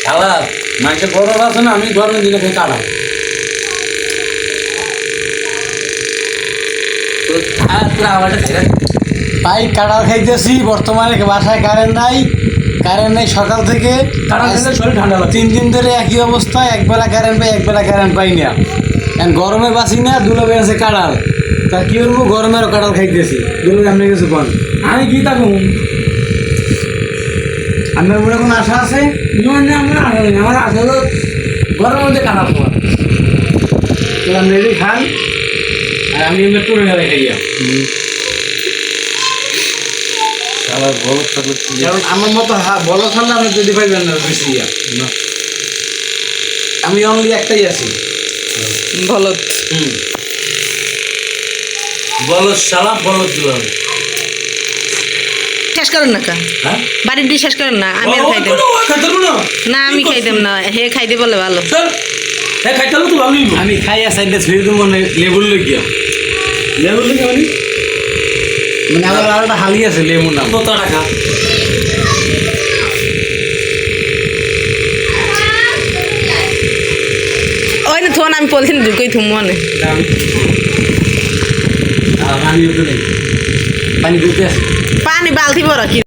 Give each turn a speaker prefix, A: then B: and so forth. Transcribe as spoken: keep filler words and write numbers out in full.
A: খালা মাংসে গরম আছে না, আমি গরমের দিনে খেয়ে কাটাম।
B: ভাই কাঁঠাল খাইতেছি বর্তমানে বাসায় কারেন্ট নাই, কারেন্ট নেই সকাল থেকে।
A: শরীর ঠান্ডা লাগে।
B: তিন দিন ধরে একই অবস্থা, একবেলা কারেন্ট পাই একবেলা কারেন্ট পাই না। এখন গরমে বাঁচি না, দুলাবে আছে কাঁঠাল, তা কি করবো, গরমেরও কাঁঠাল খাইতেছি। দুলাবে আপনি কিছু বল,
A: আমি কি থাকুন
B: আপনার উপরে কোনো আশা আছে?
A: মানে আমার আশা নেই, আমার আশা হলো গরমের মধ্যে কাটা তোমার।
B: তো আপনি এটি খান আর আমি এমনি টুরে গেলে খাইয়া।
A: আবার বরফ থাকলে
B: কারণ আমার মতো বলো থাকলে আপনি যদি পাইবেন না বেশি ইয়া। আমি অনলি একটাই আছি।
C: বলত
B: হুম,
A: বলো সালা বলো দিলাম।
C: শেষ করেন না কা
A: হ্যাঁ
C: বাড়ির দিয়ে শেষ করেন না, আমি আর খাইতাম না, আমি খাইতাম না, হে খাইতে বলে ভালো।
A: হ্যাঁ খাইতে তো ভালোই।
B: আমি খাই আর সাইডে ছুঁয়ে দেবো লেবুর লইয়া।
A: লেবু থেকে মানে
B: মানে আমার আর একটা হালি আছে লেবুর নাম।
A: কত টাকা?
C: ওই না থোন আমি পলিথিন ঢুকেই থুম মনে
B: আমি পানি দিতে আছে।
C: পানি বালতি বড় কি